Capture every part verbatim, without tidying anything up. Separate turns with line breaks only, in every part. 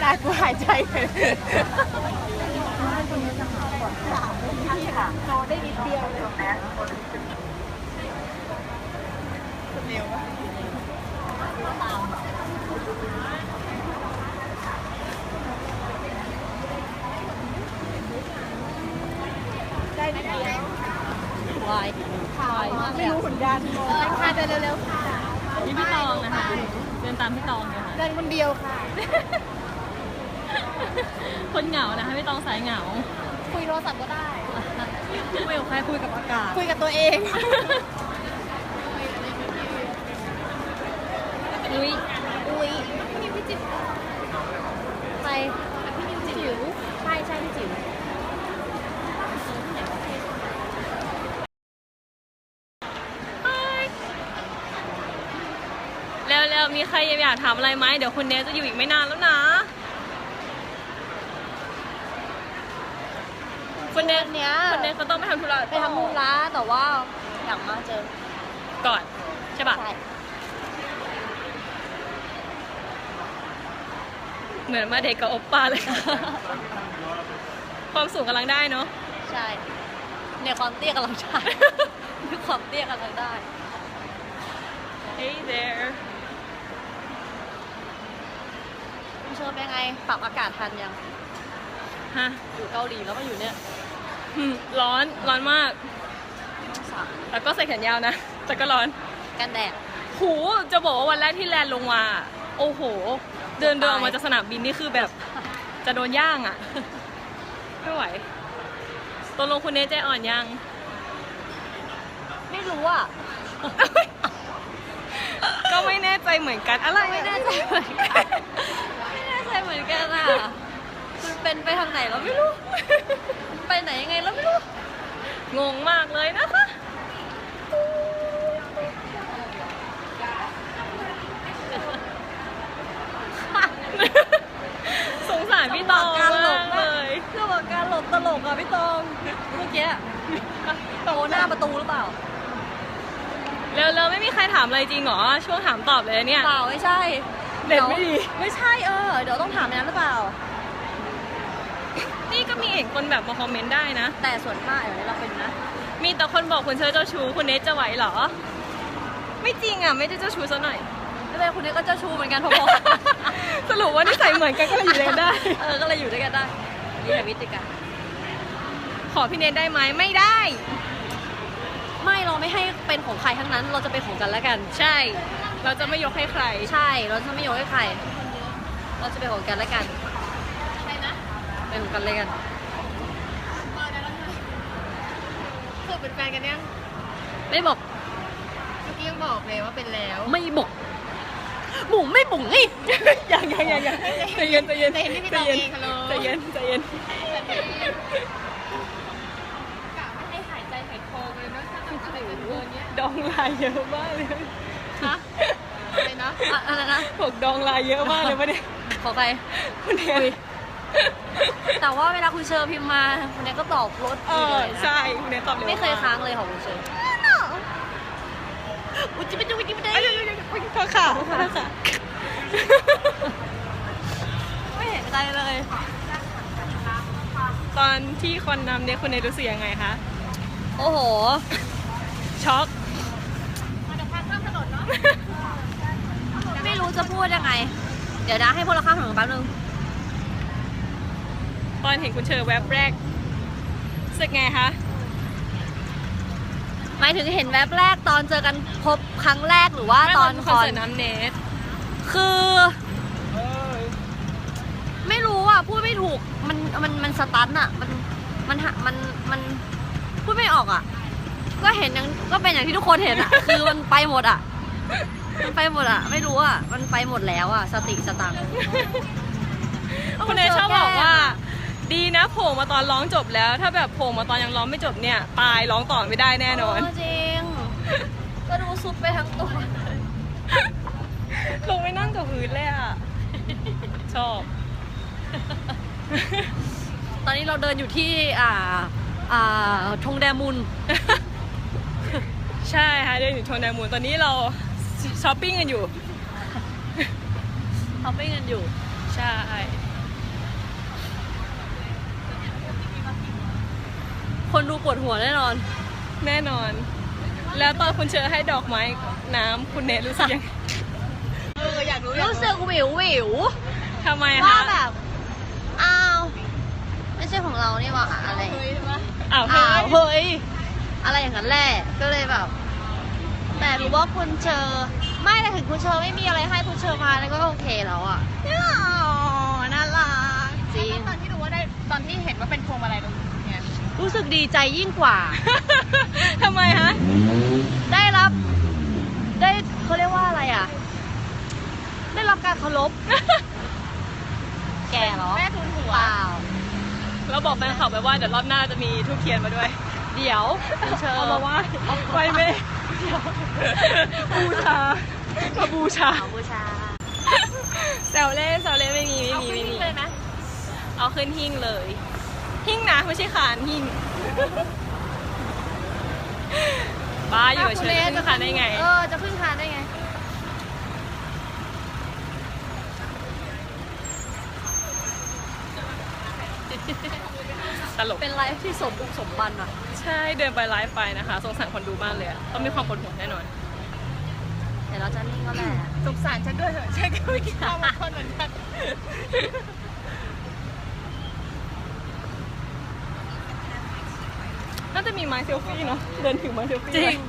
ายกูหายใจเลยค่ะโตได้นิดเดียวเลยเร็วได้นิดเดียววายวายไม่รู้ผลงานค่ะเดินเร็วๆค่ะ
นี่พี่ตองนะคะเดินตามพี่ตองเลยค่ะ
เดินคนเดียวค่ะ
คนเหงานะคะพี่ตองสายเหงา
คุยโทรศัพท์ก็ได้
คุยกับใครคุยกับอากาศ
คุยกับตัวเอง
อุ้ย
อุ้ยพี่นิวพี่จิ๋วไปพี่นิวจิ๋วใช่ใช่พี่จิ๋ว
แล้วๆมีใครอยากถามอะไรไหมเดี๋ยวคุณเนสจะอยู่อีกไม่นานแล้วนะคุณเนส
เนี้ย
คุณเนสเขาต้องไปทำธุระ
ไปทำธุระแต่ว่าอยากมาเจอ
ก่อนใช่ปะ
ใช่
เหมือนมาเด็กกับโอปป้าเลยความสูงกำลังได้เนาะ
ใช่เนี่ยความเตี้ยกำลังใช่ความเตี้ยกำลังได้
Hey there
คุณเชิญเป็นไงปรับอากาศทันยัง
ฮะ
อยู่เกาหลีแล้วมาอยู่เนี่ย
ร้อนร้อนมากแล้วก็ใส่แขนยาวนะแต่ก็ร้อน
กันแดด
หูจะบอกว่าวันแรกที่แลนด์ลงมาโอ้โหเดินเดินออกมาจากสนามบินนี่คือแบบจะโดนย่างอ่ะไม่ไหวตกลงคุณเนสใจอ่อนยัง
ไม่รู้อ่ะ
ก็ไม่แน่ใจเหมือนกันอะไร
ไม่แน่ใจเหมือนกันไม่แน่ใจเหมือนกันอ่ะมันเป็นไปทางไหนเราไม่รู้ไปไหนยังไงเราไม่รู้
งงมากเลยนะคะสงสารพี่ตองมากเลย
เรื่องของการหลบตลกอ่ะพี่ตองเมื่อกี้โตหน้าประตูหรือเปล่า
เร็วๆไม่มีใครถามอะไรจริงเหรอช่วงถามตอบเลยเนี่ย
เปล่าไม่ใช่
เด็ดไม่ดี
ไม่ใช่เออเดี๋ยวต้องถามนั้นหรือเปล่า
นี่ก็มีเห็นคนแบบมาคอมเมนต์ได้นะ
แต่ส่วนมากอย่างนี้เราเป็นนะ
มีแต่คนบอกคุณเชอร์เจ้าชู้คุณเนสจะไหวเหรอไม่จริงอ่ะไม่ได้เจ้าชู้ซะหน่อย
ไม่เป็นคุณเนสก็เจ้าชู้เหมือนกันพอ
ๆสรุปว่านิสัยเหมือนกันก็เลยอยู่ด้วยกันได้
เออก็เลยอยู่ด้วยกันได้นี่แหละวิธีการ
ขอพี่เนสได้ไหมไม่ได้
ไม่เราไม่ให้เป็นของใครทั้งนั้นเราจะเป็นของกันแล้วกัน
ใช่เราจะไม่ยกให้ใคร
ใช่เราจะไม่ยกให้ใครเราจะเป็นของกันแล้วกันใช่นะเป็นของกันเลยกันคือเป็นแฟนกันยัง
ไม่บอก
เมื่อกี้ยังบอกเลยว่าเป็นแล้ว
ไม่บอก
หมูไม่บุ๋งนี่
ยังยังยังยังใจเย็นใจเย็น
ใจเย็นใจเย็น
ใจเย็นใจเย็นดองลายเยอะมากเลย
ฮะอะไรนะอะไรนะ
พวกดองลายเยอะมากเลยปะเนี่ย
ขอใคร
คุณเนย
แต่ว่าเวลาคุณเชอร์พิมพ์มาคุณเนยก็ตอบรถดีเลย
ใช่คุณเนยตอบเร็ว
ไม่เคยค้างเลยของคุณเชอร์อุ้ยจิ๊บจิ๊บจิ๊บได้
ขอข่าวค่ะ
ไม่เห็นใจเลย
ตอนที่คนนำเนี่ยคุณเนยรู้สึกยังไงคะ
โอ้โห
ช็อก
มาจากทางข้ามถนนเนาะไม่รู้จะพูดยังไงเดี๋ยวนะให้พวกเราข้ามถนนแป๊บนึง
ตอนเห็นคุณเชอแวบแรกรู้สึกไงคะ
หมายถึงเห็นแวบแรกตอนเจอกันพบครั้งแรกหรือว่าตอน
คอนเสิร์ตน้ำเนส
คือไม่รู้อ่ะพูดไม่ถูกมันมันมันสตันอ่ะมันมันมันมันพูดไม่ออกอ่ะก็เห็นอย่างก็เป็นอย่างที่ทุกคนเห็นอ่ะคือมันไปหมดอ่ะมันไปหมดอ่ะไม่รู้อ่ะมันไปหมดแล้วอ่ะสติสตังค์
คุณเนยชอบบอกว่าดีนะโผล่มาตอนร้องจบแล้วถ้าแบบโผล่มาตอนยังร้องไม่จบเนี่ยตายร้องต่อไม่ได้แน่นอน
จริงก็ดูซุปไปทั้งตัว
ลงไปนั่งกับพื้นเลยอ่ะชอบ
ตอนนี้เราเดินอยู่ที่อ่าอ่าทงแดมุน
ใช่ค่ะเดินอยู่ทงแดมุนตอนนี้เราช้อปปิ้งกันอยู่
ช้อปปิ้งกันอยู่
ใช่
คนดูปวดหัวแน่นอน
แน่นอน แล้วตอนคุณเชอให้ดอกไม้น้ำคุณเนทรู้สึกยังไงเอออยากรู้
รู้สึกวิววิว
ทำไม
ว่า
คะ
แบบ อ้าว ไม่ใช่ของเรานี่หว่าอะไร
อ้าว
อ้าว
เฮ้ย
อะไรอย่างนั้นแหละ ก็เลยแบบ แต่รู้ว่าคุณเชอไม่แต่ถึงคุณเชอไม่มีอะไรให้คุณเชอมาแล้วก็โอเคแล้วอ่ะ
อ๋อน่ารัก
จริง
ตอนที่รู้ว่าได้ตอนที่เห็นว่าเป็นพวงมาลัยตรงนี้เนี่ย
รู้สึกดีใจยิ่งกว่า
ทำไมฮะ
ได้รับ ได้เขาเรียกว่าอะไรอ่ะ ได้รับการเคารพ แก่เหรอ
แม่ทุนหัว
เปล่า
เราบอกแฟนคลับไปว่าเดี๋ยวรอบหน้าจะมีทูบเทียนมาด้วย
เดี๋ยวคุณเชอ
เอามาไหว้ไหว้แม่บูชามาบูชา
เอาบูชา
แซวเล่นแซวเล่นไม่มีไม่มีไม่มี
เลยไหม
เอาขึ้นหิ้งเลย หิ้งนะไม่ใช่คานหิ้งบ้าอยู่กับเชิญขึ้นคานได้ไง
เออ จะขึ้นคานได้ไง
ตลก
เป็นไลฟ์ที่สมบุกสมบันอ่ะ
ใช่เดินไปไลฟ์ไปนะคะสงสารคนดูมากเลยอะต้องมีความปวดหัวแน่นอน
เดี๋ยวเราจะนิ่งก็แหละ
สงสารฉันด้วยเถอะฉันก็ไม่คิดว่ามันคนเหมือนกันน่าจะมีไม้เซลฟี่เนาะเดินถือไม้เซลฟี่
จริง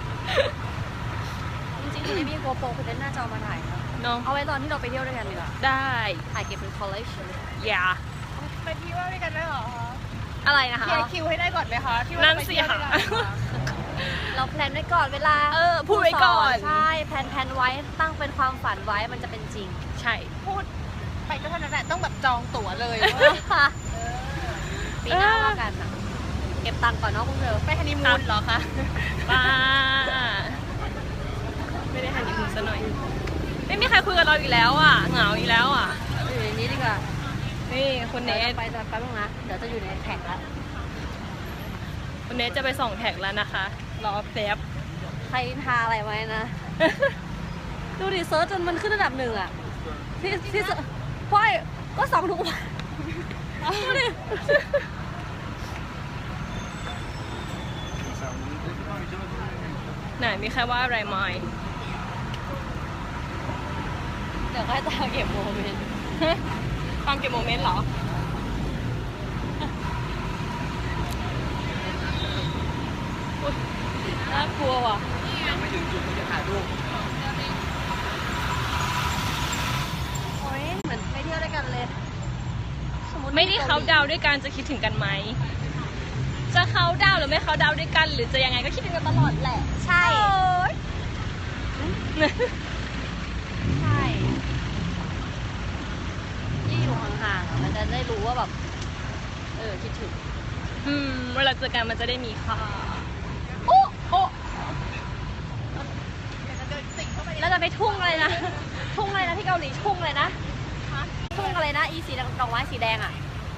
จริงๆคุณไม่มีโกโปรคุณเล่นหน้าจอมาถ่ายนะ
เนาะ
เอาไว้ตอนที่เราไปเที่ยวด้วยกันดีกว่า
ได้
ถ่ายเก็บเป็น collection
อย่า
ไปเที่ยวด้วยกันได้เหรอคะ
อะไรนะคะ
เคลียร์คิวให้ได้ก่อนไหมคะที่ว่า
นั่น
ไป
สิ
เที่ยวด้
ค่ะ
วยกันนะคะ
เราแพลนไว้ก่อนเวลา
เออพูดไว้ก่อน
ใช่ แพลนแพลนไว้ ตั้งเป็นความฝันไว้ มันจะเป็นจริง
ใช่
พูดไปก็เท่านั้นแหละต้องแบบจองตั๋วเลยว่า
ปีหน้าว่ากันอ่ะ เก็บตังค์ก่อนเนาะพวกเธอ
ไปฮันนีมูนเหรอคะ
ป้าไม่ได้ฮันนีมูนซะหน่อย ไม่มีใครคุยกับเราอีกแล้วอ่ะเหงาอีกแล้วอ่ะ
อยู่ในนี้ดีกว่า
นี่คุณเน
เดี๋ยว
ท
จะไปจะแป๊บนึงนะ เดี๋ยวจะอยู่ในแท็กแล้ว
คุณเนทจะไปส่องแท็กแล้วนะคะรอแป๊บ
ใครทาอะไรไว้นะ ดูดิเซิร์ชจนมันขึ้นระดับหนึ่งอ่ะ ที่ที่เซิร์ชพ่อยก็สองทุกวันดูดิ
ไหนมีใครว่าอะไรไหม
เดี๋ยวค่อยตามเก็บโมเมนต์
ตามเก็บโมเมนต์เหรอ
น่ากลัวว่ะ
ยังไม่ถึงจุดที่จะถ่ายรูป
โอ้ยเหมือนไปเที่ยวด้วยกันเลยสติ
ไม่ได้เขาดาวน์ด้วยกันจะคิดถึงกันไหม จะเขาดาวน์หรือไม่เขาดาวน์ด้วยกัน หรือจะยังไงก็คิดถึงกันตลอดแหละ
ใช่ ใช่ที่อยู่ห่างๆอะมันจะได้รู้ว่าแบบ เออ คิดถึง
อืมเวลาเจอกันมันจะได้มีค่า
โอ้โอ้
เดี๋ยวจะเดินสิงเข้าไป
แล้วจะไปทุ่งอะไรนะ ทุ่งอะไรนะที่เกาหลีทุ่งอะไรนะ ทุ่งอะไรนะ อีสีแดงดอกไม้สีแดงอะ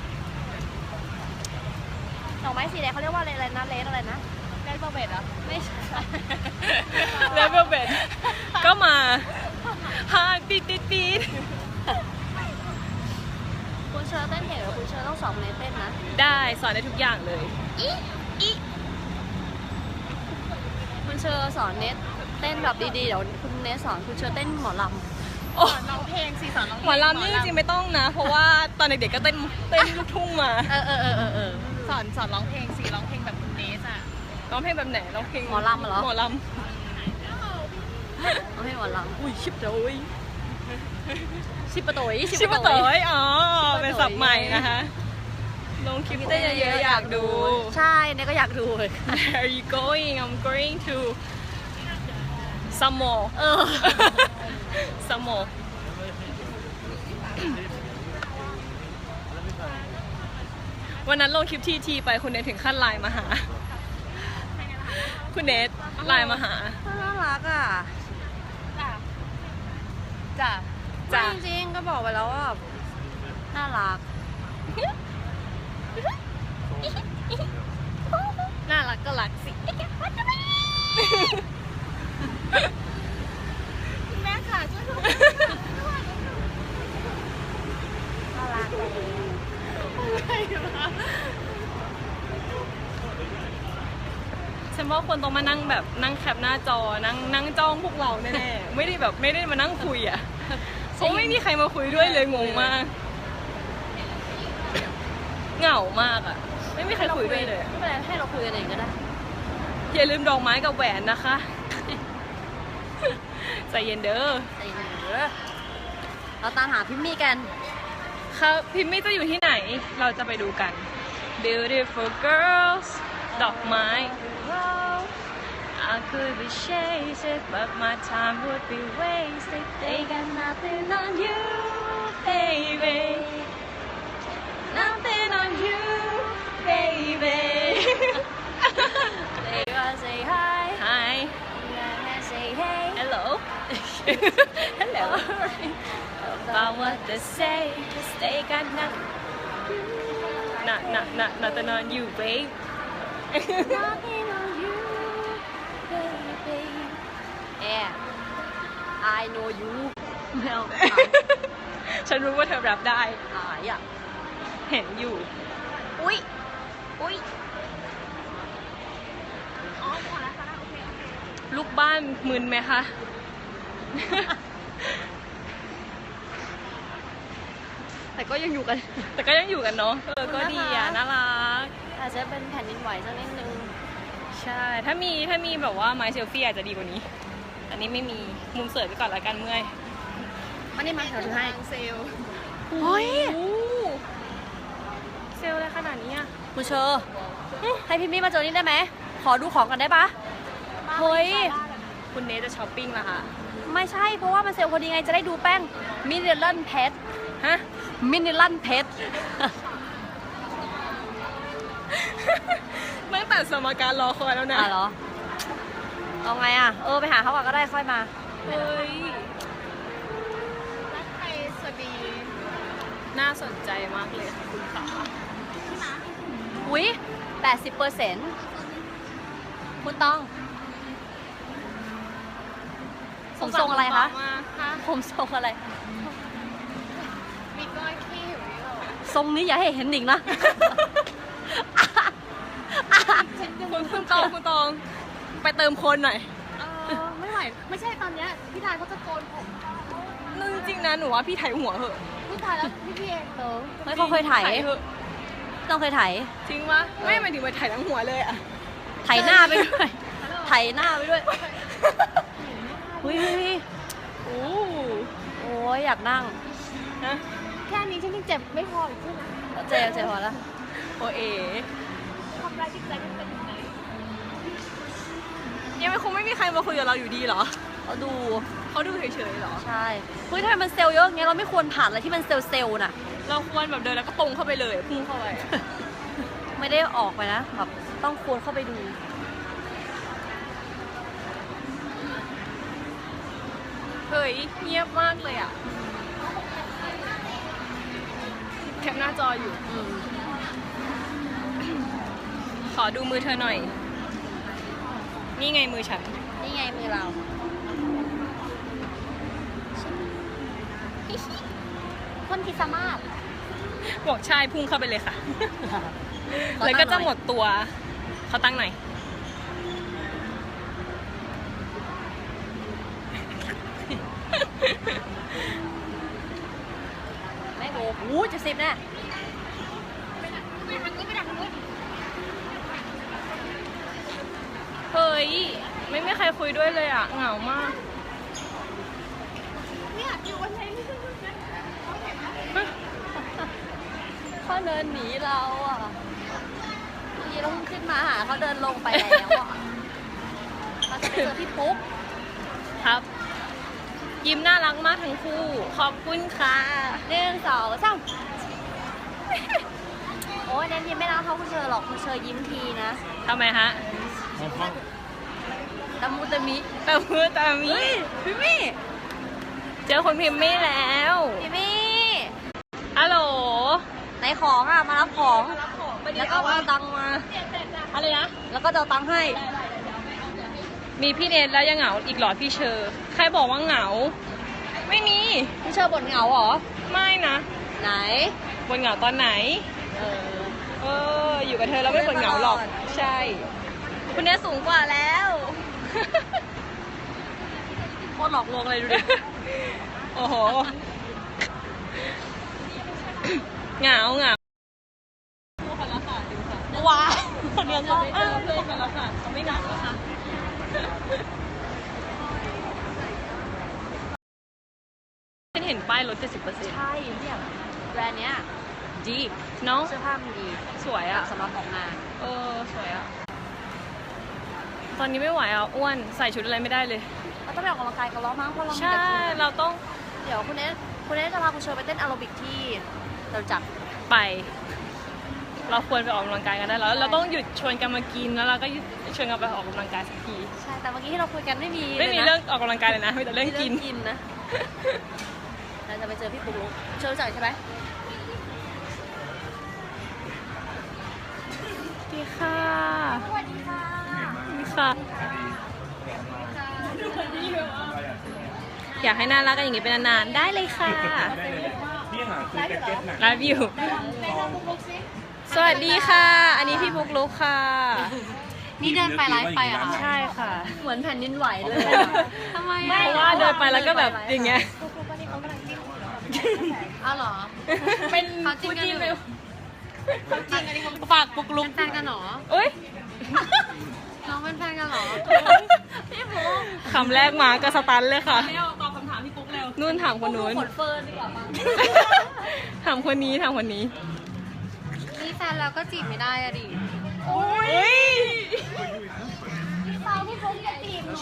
ดอกไม้สีแดงเขาเรียกว่าอะไรอะไรนะเลสอะไรนะ
ได้เบอร์เบดเหรอ
ไม่ใช่
เลเวลเบดก็มาฮาปีดปีดปีด
คุณเชอร์เต้นเก่งหรือคุณเชอร์ต้องสอนเนเต้นนะ
ได้สอนได้ทุกอย่างเลย
อีอีคุณเชอร์สอนเนทเต้นแบบดีๆ เดี๋ยวคุณเนทสอนคุณเชอร์เต้นหมอล
โอ้
สอนร้องเพลงสิสอนร้องเพลง
หมอลำนี่จริงๆไม่ต้องนะ เพราะว่าตอนเด็กๆก็เต้นเต้นลูกทุ่งมา
ำเออเออเออเออเออ
สอนสอนร้องเพลงสิร้องเพลงแบบคุณเนสอะ
ร้องเพลงแบบไหนร้องเพลง
หมอลำเหรอ
หมอล
เอาให้หมอล
ำอุ้ยชิบโดย
ำชิปะโตย
ชิบะเต๋ยอ๋อ
ชิบะเต๋ย
เป็นศัพท์ใหม่นะคะ ลงคลิปเต้นเยอะๆอยากดู
ใช่เนทก็อยากดูเลย
Where are you going? I'm going to some more
เออ
some more วันนั้นลงคลิปทีทีไปคุณเนทถึงขั้นไลน์มาหา คุณเนทไลน์มาหา
น่ารักอ่ะ
จ้ะจ้ะ
จ้ะ
จริงๆก็บอกไปแล้วว่าน่ารัก น่ารักก็รักสิ
คุณแม่ค่ะช่วยดู
น่ารักเลย
อะไรวะ
ว่าคนต้องมานั่งแบบนั่งแคปหน้าจอนั่งนั่งจ้องพวกเราแน่ๆ ไม่ได้แบบไม่ได้มานั่งคุยอ่ะเพราะไม่มีใครมาคุยด้วยเลยงงมากเหงามากอ่ะไม่มีใครคุยด้วยเลย
ไม่เป็นไรให้เราคุยกันเองก็ได้
อย่าลืมดอกไม้กับแหวนนะคะใจเย็นเด้อ
ใจเย็นๆเด้อเราตามหาพิมมี่กัน
ค่ะพิมมี่จะอยู่ที่ไหนเราจะไปดูกัน Beautiful girls ดอกไม้ I could be chasing but my time would be wasted they got nothing on you baby nothing on you baby
They gonna say hi
Hi
gonna say hey
Hello Hello About what they say cause they got nothing Not, not, not, nothing on you babe
Nothing on you baby Yeah I know you แมว
ฉันรู้ว่าเธอรับได้
หายอ่ะ
เห็นอยู่
อุ๊ยอุ๊ย
ลูกบ้านมึนไหมคะ
แต่ก็ยังอยู่กัน
แต่ก็ยังอยู่กันเนาะ เออ ก็ดีอ่ะ น่ารัก
อาจจะเป็นแผ่นดินไหวสักนิดนึง
ใช่ ถ้ามี ถ้ามีแบบว่าไม้เซลฟี่อาจจะดีกว่านี้ อันนี้ไม่มี มุมเสยไปก่อนละกันเมื่อย
มันนี่มาเดี๋ยวดูให้
เซลล์
เฮ้ย
โอ้เซลลอะไรขนาดนี้อ่ะ
คุณเชอร์ให้พี่มี่มาเจอนี่ได้ไหม ขอดูของกันได้ปะเฮ้ย
คุณเนทจะช้อปปิ้งละค่ะ
ไม่ใช่ เพราะว่ามันเซลล์พอดีไง จะได้ดูแป้งมินิลันเพชร
ฮะ
มินิลันเพชร
ตั้งแต่สมการรอคอยแล้วนะ
อ่ะเหรอ เอาไงอ่ะ เออ ไปหาเขาก่อนก็ได้ค่อยมา
เฮ้ย
รักไทยสวัสดี
น่าสนใจมากเลยค่ะคุณขา
อุ้ยแปดสิบเปอร์เซ็นต์คุณต้องผมทรงอะไรคะ
ค่ะ
ผมทรงอะไร
มีก้อยขี้อยู่นี่หรอ
ทรงนี้อย่าให้เห็นหนิงนะ
คุณคุณตองคุณตอง ไปเติมคนหน่อย
เออไม่ไหว ไม่ใช่ตอนเนี้ยพี่ทายเขาจะโกนผม
นึงจริงนะหนูว่าพี่ไถหัวเหอะ
พี่ทายแล้วพี่พี่เองเหรอ
เฮ้ยเขาเคยถ่าย
เหอะ
ต้องเคยถ่าย
จริงปะไม่หมายถึงไปไถทั้งหัวเลยอะ
ถ่ายหน้าไปด้วย ถ่ายหน้าไปด้วยเฮ้ยเฮ้ยเฮ้ย
โอ้
โอ้ยอยากนั่ง
นะ
แค่นี้ฉันยังเจ็บไม่พออีกใช่ไหม
เจ็บเจ็บพอแล้ว
โอเอ
ทำร้ายจิตใจกันเป็นยังไง
ยังไม่คงไม่มีใครมาคุยกับเราอยู่ดีเหรอ
เขาดู
เขาดูเฉยๆเหรอ
ใช่ เฮ้ยทำไมมันเซลล์เยอะอย่างเงี้ยเราไม่ควรผ่านอะไรที่มันเซลล์เซลล์น่ะ
เราควรแบบเดินแล้วก็ตรงเข้าไปเลยพุ่งเข้าไป
ไม่ได้ออกไปนะแบบต้องควรเข้าไปดู
เฮ้ยเงียบมากเลยอะแคปหน้าจออยู่
อืม
ขอดูมือเธอหน่อย นี่ไงมือฉัน
นี่ไงมือเรา คนที่สามารถ
บอกใช่พุ่งเข้าไปเลยค่ะ แล้วก็จะหมดตัวเขาตั้งหน่อย
แม่งโอ้โหจะสิบแน่
เฮ้ย ไม่มีใครคุยด้วยเลยอ่ะ เหงามาก
เนี่ยอยู่วันไหนนี่
เขาเดินหนีเราอ่ะเมื่อกี้เราเพิ่งขึ้นมาหาเขาเดินลงไปแล้วอ่ะเราจะไปเจอพี่ปุ๊ก
ครับ ยิ้มน่ารักมากทั้งคู่ ขอบคุณค่ะ
หนึ่งสองสามโอ้ยเน้นยิ้มไม่รักเท่าคุณเชอร์หรอกคุณเชอร์ยิ้มทีนะ
ทำไมฮะ
ตะมุตะมิ
แต่มือแต่มี
เฮ้ยพี่มี่
เจอคนพิมพ์ไม่แล้ว
พี่มี่
ฮัลโหล
ไหนของอ่ะมารับของ แล้วก็เอาตังค์มา
อะไรนะ
แล้วก็จะเอาตังค์ให้
มีพี่เนทแล้วยังเหงาอีกเหรอพี่เชอร์ใครบอกว่าเหงา ไม่มี
พี่เชอร์บ่นเหงาเหรอ
ไม่นะ
ไหน
บนเหงาตอนไหน
เออ
เออ อยู่กับเธอแล้วไม่บ่นเหงาหรอก ใช่
เ
คุณเนสสูงกว่าแล้ว
โคตรหลอกลวงเลยดูดิ
โอ้โห เหงาเหงาว้าวคนเดียวจะไม่เจอเพื่อนกันแล้วค่ะเขาไม่เหงาแล้วค่ะฉันเห็นป้ายลด เจ็ดสิบเปอร์เซ็นต์
ใช่เนี่ยแบรนด์เนี้ย
ดีเนาะ
เสื้อผ้ามันดี
สวยอ่ะ
สำหรับออกงาน
เออ สวยอ่ะ ตอนนี้ไม่ไหวอ่ะ อ้วน ใส่ชุดอะไรไม่ได้เลย
เราต้องไปออกกำลังกายกันแล้วมั้งเพราะเรามี
ใช่
แต่ชุด
เราต้อง
เดี๋ยวคุณเนสคุณเนสจะพาคุณเชอไปเต้นแอโรบิกที่เราจัด
ไป เราควรไปออกกำลังกายกันได้แล้ว เราต้องหยุดชวนกันมากินแล้วเราก็หยุดชวนกันไปออกกำลังกายสักที
ใช่แต่เมื่อกี้ที่เราคุยกันไม่มี
ไม่มี
ลยนะ
เรื่องออกกำลังกายเลยนะมีแต่เรื่องกิน
กินนะเราจะไปเจอพี่ปุ๊กลุกเชอรู้จักใช่ไหม
ดีค่ะ
สวัสดีค่ะ
ดีค่ะ อยากให้น่ารักกันอย่างนี้เป็นนานๆได้เลยค่ะ
พี่หาซื้อแจ็คเก็ตหนัก
ไลฟ์อยู่ สวัสดีค่ะ อันนี้พี่ปุ๊กลุกค่ะ
นี่เดินไปไลฟ์ไปเหรอ่ะ
ใช่ค่ะ
เหมือนแผ่นดินไหวเลยทำไม
เพราะว่าเดินไปแล้วก็แบบอย่างเงี้ย
อ้าวเหรอ
เป็น
เขาจิ้นกันอยู่
เขาจิ้นกันเขาฝากปุ๊กลุก
เป็นแฟนกันเหรอ
เอ้ย
น้องเป็นแฟนกันเหรอพี่ปุ๊ก
คำแรกมาก็สตันเลยค่ะตอบคำถามพี่ปุ๊กเร็วนู่นถามคนนู้น
ขนเฟิร์นดีกว่ามั้ง
ถามคนนี้ถามคนนี้
มีแฟนแล้วก็จีบไม่ได้อะดิ
โอ้ย
สาวพี่ปุ๊กอย่าจีบหนู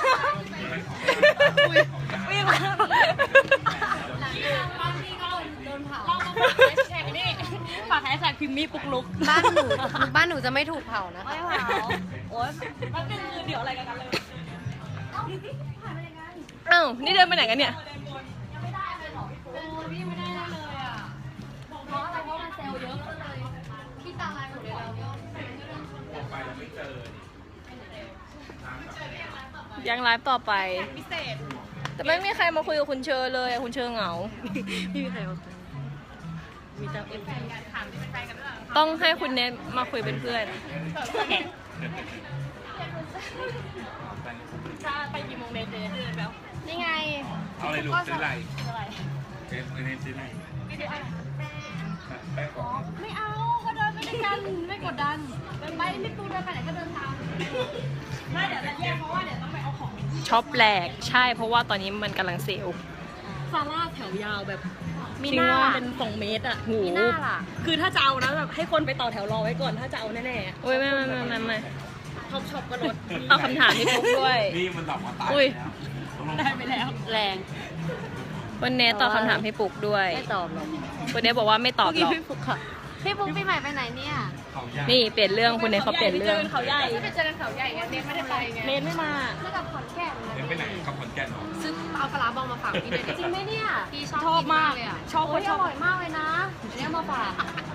วิ่งมา
หลังจากบ้านพี่ก็โดนเผา
ฝากแฮชแท็กพิมมี่ปุ๊กลุก
บ้านหนูบ้านหนูจะไม่ถูกเผานะไม่เผาโอ๊ย
เดี๋ยวอะไรกันเลยอ้าวนี่เดินไปไหนกันเนี่ย
โอ้ยพี่ไม่ได้เลยอ่ะเพราะอะไรเพราะมันเซลล์เยอะก็เลยพี่ตาลายหมดเลยเรา
ยังไลฟ์ต่อไป แต่ไม่มีใครมาคุยกับคุณเชอเลยอะคุณเชอเหงา
พี่มีใครมาคุยมีแต่เอฟซี
ต้องให้คุณเนทมาคุยเป็นเพื่อน ไปกี่โมงเนทเดินแล้ว
นี่ไง
เอาอะไรลูกซื้ออะไรเอ๊ะไม่ได้ซื้ออะไรแป้งของ
ไม่เอาเขาเดินไปด้วยกันไม่กดดันไปไม่ปูเดินไปไหนก็เดินตาม
ช็อปแหลกใช่เพราะว่าตอนนี้มันกำลังเซลล์
ซาร่าแถวยาวแบบ
มี
จริ
ห
ง
น้า
ว่า
เป็นสองเมตรอ่ะ
หู
มีหน้าล่ะ
คือถ้าจะเอานะแบบให้คนไปต่อแถวรอไว้ก่อนถ้าจะเอาแน่ๆอะ
โอ้ยไม่ไม่ไม่ไม่ไม่
ช็อปช็อปก็ลด
เอาคำถามที่ปุ๊กด้วย
นี่มันหลับมาตาย
อุ้ย
ได้ไปแล้ว
แรง
วันเนทตอบคำถามให้ปุ๊กด้วย
ไม่ตอบหรอก
คุณเนทบอกว่าไม่ตอบหรอก
พี่ปุ๊กค่ะพี่ปุ๊กปีใหม่ไปไหนเนี่ย
เขายาก
นี่เปลี่ยนเรื่องคุณเนทเขาเปลี่ยนเรื่อง
เขาใหญ่
จะไปเจอกันเขาใหญ่ไงเนทไม่ได้ไปไง
เนทไม่มา
เมื่อกับขอนแก่น
เดินไปไหนกับขอนแก่นเหรอ
ซื้อเอาปลาร้าบองมาฝากพี่เลยจริงไหมเนี่ยพี่ชอบ
ชอบมาก
เลยอ่ะ
ชอบ
โอ้ย
ช
อ
อบ
ร่อยมากเลยนะอันนี้เอามาฝาก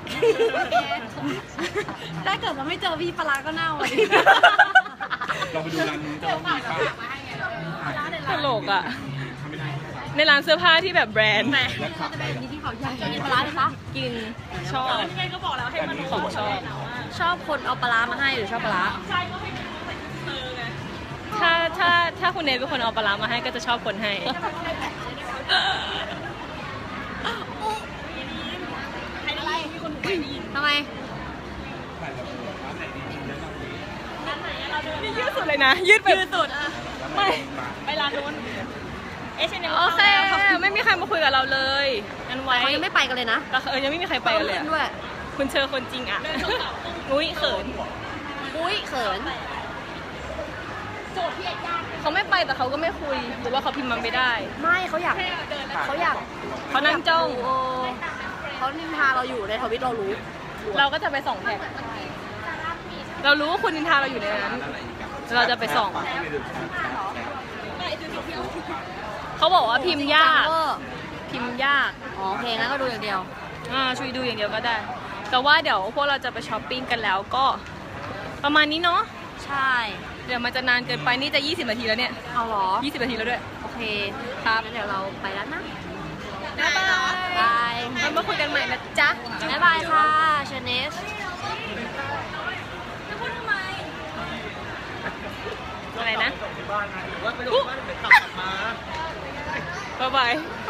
ถ้าเกิดเราไม่เจอพี่ปลาร้าก็เน่าอ่ะดิ
เราไปดูร้านนู้นจะว่ามีป้า
ตลกอ่ะ
ทำไม่ได้
ในร้านเสื้อผ้าที่แบบแบรนด์
แล้วขับไป
มีที่เขาใหญ่กินปลาร้าไหมคะ
กินชอบ
ยังไงก็บอกแล้วให้มัน
ของชอบ
ชอบคนเอาปลาร้ามาให้หรือชอบปลาร้า
ใช่ก็ให้มันใส่เธอไง
ถ้าถ้าถ้าคุณเนทเป็นคนเอาปลาร้ามาให้ก็จะชอบคนให้
อะไรมีคนถูกไปได้ยิน
ทำไม
นี่ยืดสุดเลยนะ ยืดแบบ
ยืดสุดอ่ะ
ไม่
ไปร้านนู้นเอชเอ็น
โอเค ไม่มีใครมาคุยกับเราเลยงั้นไว้
เขายังไม่ไปกันเลยนะ
แต่เออยังไม่มีใครไปกันเลยอะ
ด้วย
คุณเชอคนจริงอ่ะอุ้ยเขิน
อุ้ยเขิน
เขาไม่ไปแต่เขาก็ไม่คุย หรือว่าเขาพิมพ์มันไม่ได้
ไม่เขาอยากเขาอยาก
เขานั่งจ้อง
โอ้เขานินทาเราอยู่ในทวิตเรารู้
เราก็จะไปส่องแท็กเรารู้ว่าคุณนินทาเราอยู่ในนั้น เราจะไปส่อง เขาบอกว่าพิมพ์ยาก พิมพ์ยาก
อ๋อโอเคงั้นก็ดูอย่างเดียว
อ่าช่วยดูอย่างเดียวก็ได้ แต่ว่าเดี๋ยวพวกเราจะไปช้อปปิ้งกันแล้วก็ประมาณนี้เนาะ
ใช่
เดี๋ยวมันจะนานเกินไปนี่จะยี่สิบนาทีแล้วเนี่ย
เอาเหรอ
ยี่สิบนาทีแล้วด้วย
โอเคครับงั้นเดี๋ยวเราไปแล้วนะ
บ๊ายบาย
บาย
เรามาคุยกันใหม่นะจ๊ะ
บ๊ายบายค่ะเชเนส
บ้านนะหรือว่าไปลงบ้านเดี๋ยวกลับมา
บ๊ายบาย